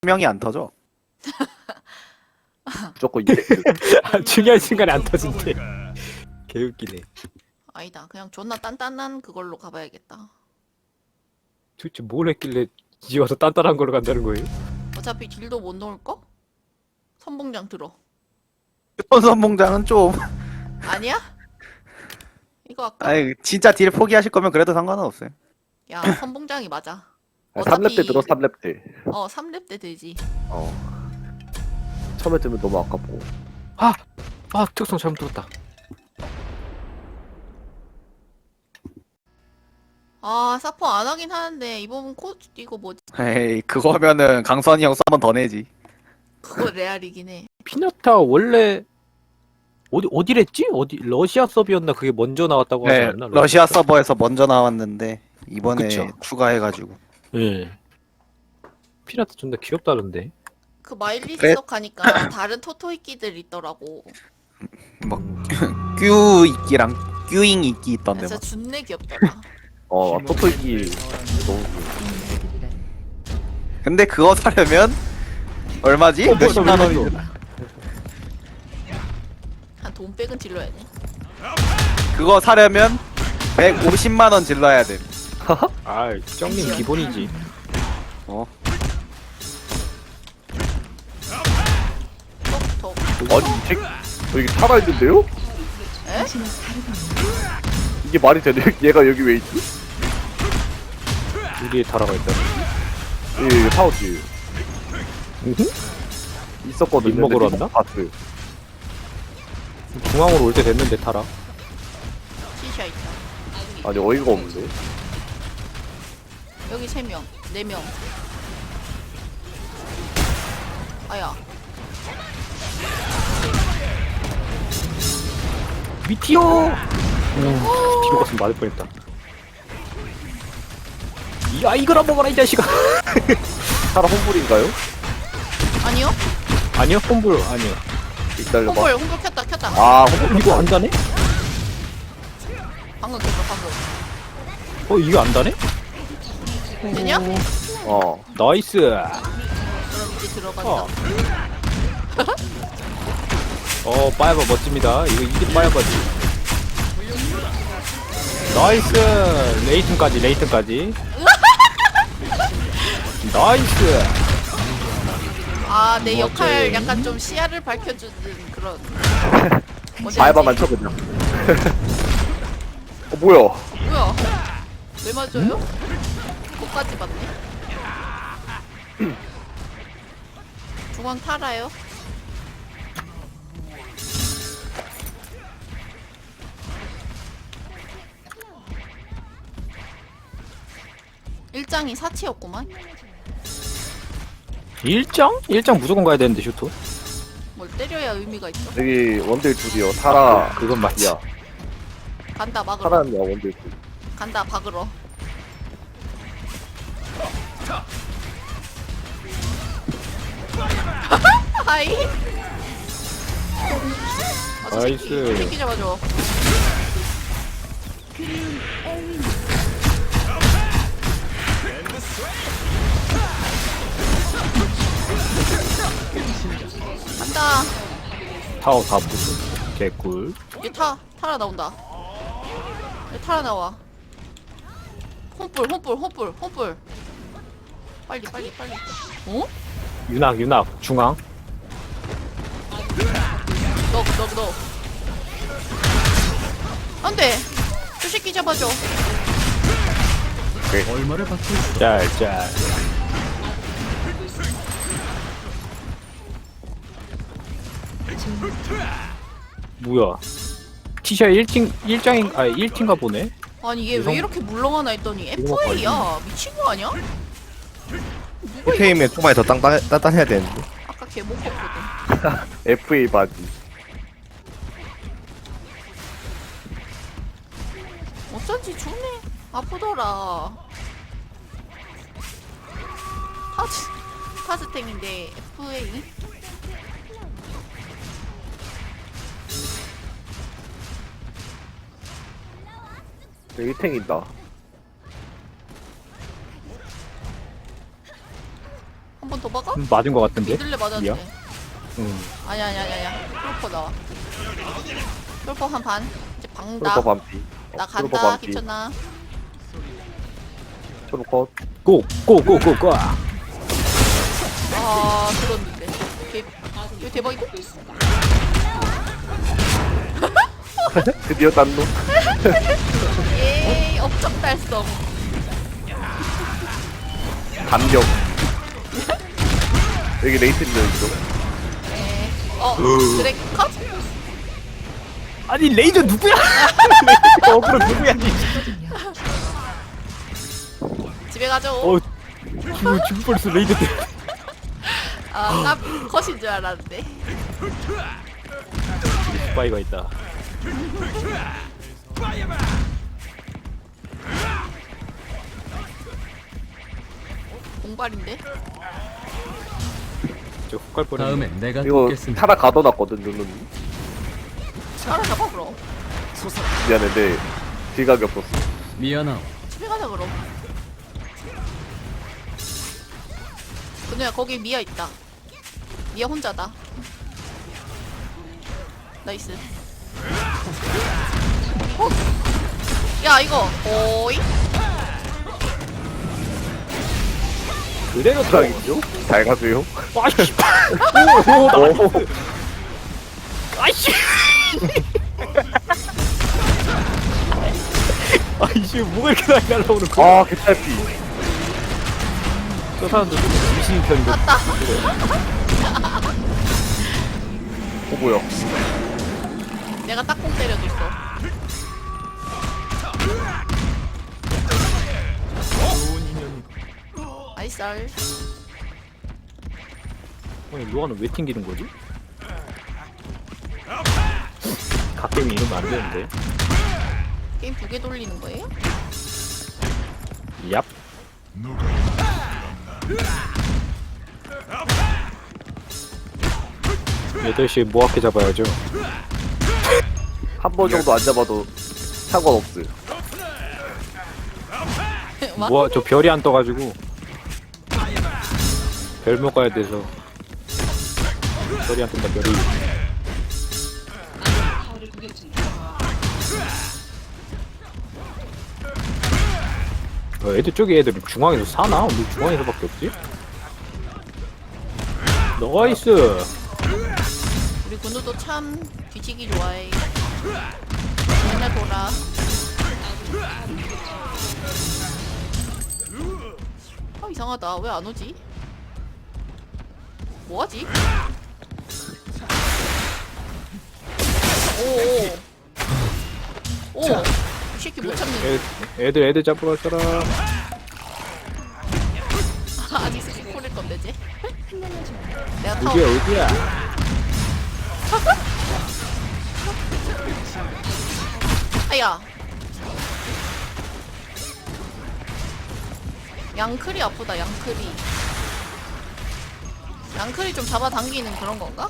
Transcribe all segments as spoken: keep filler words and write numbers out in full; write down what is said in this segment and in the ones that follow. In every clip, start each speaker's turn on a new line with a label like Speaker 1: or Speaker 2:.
Speaker 1: 명이 안 터져.
Speaker 2: 무조건 이펙트.
Speaker 3: 아, 중요한 순간에 안 터진대. 개웃기네.
Speaker 4: 아니다. 그냥 존나 단단한 그걸로 가봐야겠다.
Speaker 3: 도대체 뭘 했길래 이제 와서 단단한 걸로 간다는 거예요?
Speaker 4: 어차피 딜도 못 넣을 거? 선봉장 들어.
Speaker 1: 휴톤 선봉장은 좀
Speaker 4: 아니야? 이거 아까
Speaker 1: 아니 진짜 딜 포기하실 거면 그래도 상관은 없어요.
Speaker 4: 야 선봉장이 맞아.
Speaker 2: 아, 삼 렙 때
Speaker 4: 어차피-
Speaker 2: 들어 삼 렙 때.
Speaker 4: 어 삼 렙 때 되지.
Speaker 2: 어. 처음에 뜨면 너무 아깝고.
Speaker 3: 아 특성 잘못 들었다.
Speaker 4: 아 사포 안 하긴 하는데 이번 코 이거 뭐지?
Speaker 1: 에이 그거면은 강선이 형 썸은 더 내지.
Speaker 4: 그거 레알이긴 해.
Speaker 3: 피나타 원래 어디 어디랬지? 어디 러시아 서비였나 그게 먼저 나왔다고 하지
Speaker 1: 네
Speaker 3: 않나?
Speaker 1: 러시아 서버에서 먼저 나왔는데 이번에
Speaker 3: 그쵸.
Speaker 1: 추가해가지고.
Speaker 3: 예. 피나타 존나 귀엽다던데.
Speaker 4: 그 마일리지
Speaker 1: 그래?
Speaker 4: 석 하니까 다른 토토이끼들 있더라고.
Speaker 1: 뀨 이끼랑 뀨잉 이끼 있던데
Speaker 4: 진짜
Speaker 1: 막.
Speaker 4: 준내 귀엽더라.
Speaker 2: 어, 토토이기 너무 귀여워.
Speaker 1: 근데 그거 사려면 얼마지?
Speaker 3: 어,
Speaker 1: 몇십만
Speaker 3: 벌써
Speaker 1: 원이.
Speaker 4: 한 돈 백은 질러야 돼.
Speaker 1: 그거 사려면 백오십만 원 질러야 돼.
Speaker 3: 아, 쩡님 기본이지.
Speaker 1: 어.
Speaker 4: 톡톡.
Speaker 2: 아니, 이 책, 여기 살아있는데요?
Speaker 4: 에?
Speaker 2: 이게 말이 되네? 얘가 여기 왜 있지?
Speaker 3: 우리의 타라가 있다.
Speaker 2: 예, 사우지. 있었거든요.
Speaker 3: 립 먹으러
Speaker 2: 근데
Speaker 3: 왔나?
Speaker 2: 봤어요.
Speaker 3: 중앙으로 올 때 됐는데 타라.
Speaker 4: 티샤 있다.
Speaker 2: 아니, 어이가 없는데.
Speaker 4: 여기 세 명, 네 명. 아야.
Speaker 3: 미티오. 미티오 갔으면 맞을 뻔했다. 야 이거나 먹어라 이 자식아.
Speaker 2: 사라 홈불인가요?
Speaker 4: 아니요?
Speaker 3: 아니요 홈불 아니요.
Speaker 2: 기다려봐.
Speaker 4: 홍볼, 홍볼 켰다, 켰다.
Speaker 2: 아, 홈불.
Speaker 3: 이거 안 다네?
Speaker 4: 방금 켰다, 방금.
Speaker 3: 어 이거 안 다네?
Speaker 4: 되냐?
Speaker 2: 어.
Speaker 3: 나이스.
Speaker 4: 그럼 이제 들어간다.
Speaker 3: 어. 어 빠야바 멋집니다. 이거 이게 빠야바지. 나이스. 레이튼까지 레이튼까지. 나이스.
Speaker 4: 아, 내
Speaker 3: 뭐지?
Speaker 4: 역할 약간 좀 시야를 밝혀주는 그런. 뭐지?
Speaker 2: 바이바만 쳐, 그냥. 어, 뭐야.
Speaker 4: 뭐야? 왜 맞아요? 거기까지 맞네. 중앙 타라요? 일장이 사치였구만.
Speaker 3: 일장? 일장 무조건 가야 되는데 슈터.
Speaker 4: 뭘 때려야 의미가 있어.
Speaker 2: 여기 원딜 둘이요. 사라.
Speaker 3: 그건 맞지.
Speaker 2: 야,
Speaker 4: 간다 막으러.
Speaker 2: 사라는 야, 원딜 둘.
Speaker 4: 간다 박으러. 하이. 아, 저 새끼,
Speaker 3: 나이스.
Speaker 4: 새끼 잡아줘. 간다.
Speaker 3: 타워 다 부수. 개꿀.
Speaker 4: 얘 타, 타라 나온다. 얘 타라 나와. 홈불, 홈불, 홈불, 홈불. 빨리, 빨리, 빨리. 어?
Speaker 3: 윤학 윤학 중앙.
Speaker 4: 너, 너, 너. 안 돼. 저 새끼 잡아줘.
Speaker 3: 짤짤. 뭐야? 티샤 일 팀 일 장인 아 일 팀가 보네.
Speaker 4: 아니, 얘
Speaker 3: 유성-
Speaker 4: 왜 이렇게 물렁하나 했더니
Speaker 3: 이거
Speaker 4: 에프에이야. 미친 거 아니야? 누가 이거
Speaker 5: 에프에이면 초반에 더 땅땅, 단단해야 되는데.
Speaker 4: 아까 걔 못 컸거든.
Speaker 2: 에프에이 바지.
Speaker 4: 어쩐지 존내 아프더라. 타즈, 타즈탱인데 에프에이?
Speaker 2: 여기 탱인다.
Speaker 4: 한번 더 박아?
Speaker 3: 음, 맞은 거 같은데?
Speaker 4: 미들레 맞았지.
Speaker 3: 미야? 응.
Speaker 4: 아니야 아니야 아니야. 쫄퍼 나와. 쫄퍼 한 반. 이제 박는다.
Speaker 2: 트루퍼 반피.
Speaker 4: 나
Speaker 2: 어, 트루퍼
Speaker 4: 간다.
Speaker 2: 반피.
Speaker 4: 귀찮아.
Speaker 2: 트루퍼 컷.
Speaker 3: 고! 고! 고! 고! 고!
Speaker 4: 아 들었는데. 개, 이거 대박이다.
Speaker 2: 드디어 딴놈.
Speaker 4: 예, 업적 달성.
Speaker 2: 반격. 여기 레이튼도 있어.
Speaker 4: 예. 어, 드랙 컷?
Speaker 3: 아니 레이저 누구야? 레이저 어그로 누구야? 니.
Speaker 4: 집에 가죠.
Speaker 3: 어 죽을 죽을 뻔했어 레이저 때.
Speaker 4: 아, 나 컷인 줄 알았는데.
Speaker 3: 스파이가 있다.
Speaker 4: 공발인데?
Speaker 3: 저 훅갈 뻔했네.
Speaker 6: 다음엔 내가
Speaker 2: 이거
Speaker 6: 돕겠습니다.
Speaker 2: 타다 가둬놨거든 누누님.
Speaker 4: 따라잡아 그럼.
Speaker 2: 미안한데 지각이 없었어.
Speaker 6: 미안하오.
Speaker 4: 집에 가자 그럼. 근우야 거기 미아 있다. 미아 혼자다. 나이스. 어? 야 이거 오이?
Speaker 3: 그대로 들어.
Speaker 2: 지각이죠? 잘 가세요.
Speaker 3: 아이씨.
Speaker 2: 오.
Speaker 3: 아이씨. 아이씨 뭐가 이렇게 많이 날라오는 거야?
Speaker 2: 아 개탈피.
Speaker 3: 저 사람들 좀 미신 편이거든.
Speaker 4: 맞다.
Speaker 2: 어 뭐야?
Speaker 4: 내가 딱공 때려줬어. 아이쌀.
Speaker 3: 아니 루아는 왜 튕기는 거지? 갓게임이 이러면 안 되는데.
Speaker 4: 게임 두 개 돌리는 거예요?
Speaker 3: 얍. 여덟 시에 모아게 잡아야죠.
Speaker 2: 한 번 정도 안 잡아도 상관없어요.
Speaker 4: 와?
Speaker 3: 모아 저 별이 안 떠가지고 별 먹어야 돼서 별이 안 뜬다 별이. 어, 애들 쪽에 애들 중앙에서 사나? 우리 중앙에서밖에 없지? 나이스.
Speaker 4: 우리 군우도 참 뒤지기 좋아해. 맨날 보라. 아 이상하다. 왜 안 오지? 뭐하지? 오오. 오. 이 새끼 못 참네.
Speaker 3: 애, 애들 애들 잡으러 갈 사람.
Speaker 4: 아니 스킵 콜릴 건데 쟤. 내가 타워.
Speaker 3: 어디야 어디야?
Speaker 4: 아야. 양클이 아프다. 양클이. 양클이 좀 잡아당기는 그런 건가?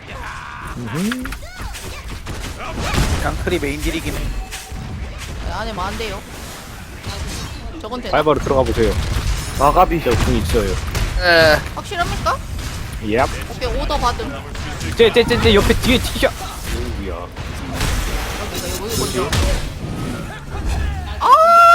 Speaker 1: 양클이 메인 딜이긴 해.
Speaker 4: 안에 뭐 안 돼요. 저건 되나?
Speaker 3: 발바로 들어가 보세요.
Speaker 2: 마가비.
Speaker 3: 저궁 있어요.
Speaker 4: 확실합니까?
Speaker 3: 얍.
Speaker 4: 오케이 오더 받음.
Speaker 3: 쟤쟤쟤쟤 옆에 뒤에 티셔. 오우야.
Speaker 4: 여기가 여기 먼저. 아!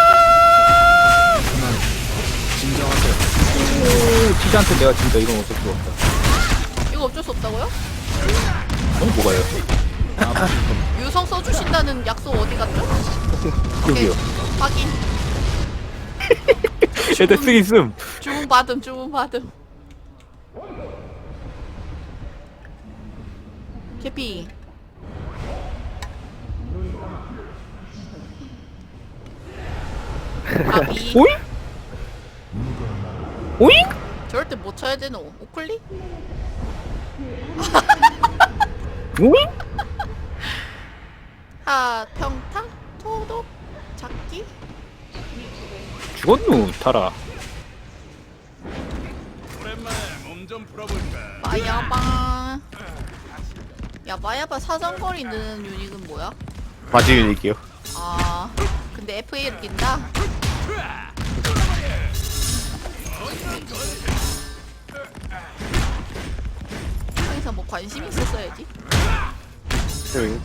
Speaker 3: 오, 티한테 내가 진짜 이건 어쩔 수 없다.
Speaker 4: 이거 어쩔 수 없다고요?
Speaker 3: 어 뭐가요?
Speaker 4: 유성 써주신다는 약속 어디 갔죠?
Speaker 3: 여기요.
Speaker 4: 확인.
Speaker 3: 애들 쓰기 있음.
Speaker 4: 주문 받음 주문 받음. 캐피. 아비.
Speaker 3: 오잉? 오잉?
Speaker 4: 저럴 때 뭐 쳐야 되노? 오클리?
Speaker 3: 오잉?
Speaker 4: 하 평타? 토독? 잡기?
Speaker 3: 죽었누 타라.
Speaker 4: 마야바. 야 마야바 사정거리 는 유닉은 뭐야?
Speaker 5: 바지 유닉이요.
Speaker 4: 아 근데 에프에이를 낀다? 그냥 뭐 관심 있었어야지.
Speaker 2: 응.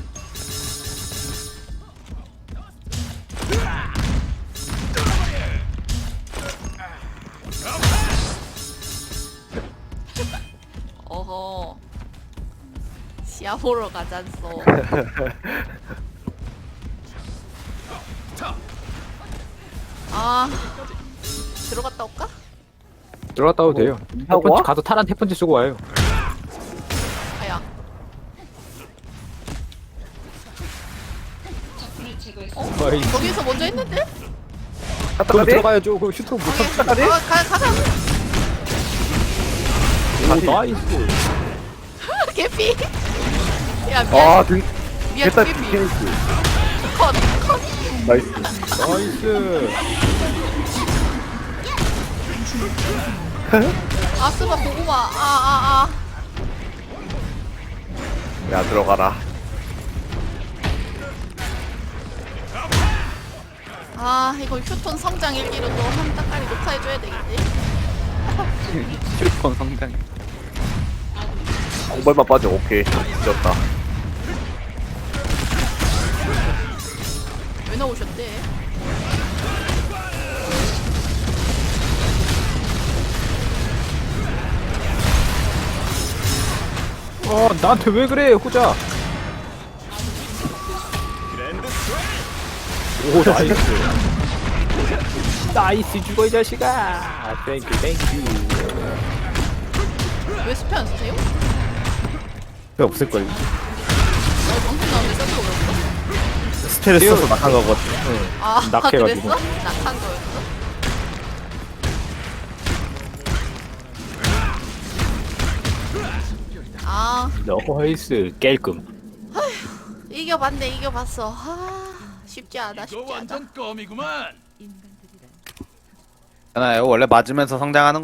Speaker 4: 어허. 시야 보러 가잔소. 아, 들어갔다 올까?
Speaker 3: 들어갔다 와도 돼요.
Speaker 2: 하고
Speaker 3: 태펀치
Speaker 2: 와?
Speaker 3: 가서 탈한 태펀치 쓰고 와요.
Speaker 4: 아야.
Speaker 3: 어이,
Speaker 4: 거기서 먼저 했는데?
Speaker 2: 갔다
Speaker 3: 그럼
Speaker 2: 가네?
Speaker 3: 들어가야죠. 그 슈터 못
Speaker 4: 오케이.
Speaker 2: 가네?
Speaker 4: 가, 가, 가자.
Speaker 3: 아, 나이스.
Speaker 4: 개피. 야, 미안.
Speaker 2: 아 등...
Speaker 4: 미안,
Speaker 2: 됐다
Speaker 4: 개피.
Speaker 2: 디테일스
Speaker 4: 컷, 컷.
Speaker 2: 나이스.
Speaker 3: 나이스.
Speaker 4: 아스바 고구마. 아, 아,
Speaker 2: 야 들어가라.
Speaker 4: 아. 아, 이거 휴톤 성장 일기로 또 한 따까리 녹화해줘야 되겠지?
Speaker 1: 휴톤 성장.
Speaker 2: 공발만 빠져. 오케이 지었다.
Speaker 4: 왜 나오셨대?
Speaker 3: 어, 나한테 왜 그래, 호자. 오, 나이스. 나이스 죽어, 이 자식아. 땡큐, 땡큐.
Speaker 4: 왜 스페 안 쓰세요?
Speaker 5: 왜 없을걸.
Speaker 4: 나 방송 나오는데 써도 어렵어?
Speaker 5: 스텔을 써서 낙한 거거든.
Speaker 4: 아,
Speaker 3: 낙해가지고.
Speaker 4: 그랬어? 낙한 거였어? 아,
Speaker 3: 나이스. 깰끔.
Speaker 4: 이겨봤네, 이겨봤어. 아, 쉽지 않아, 쉽지 않아.
Speaker 1: 하나요 원래 맞으면서 성장하는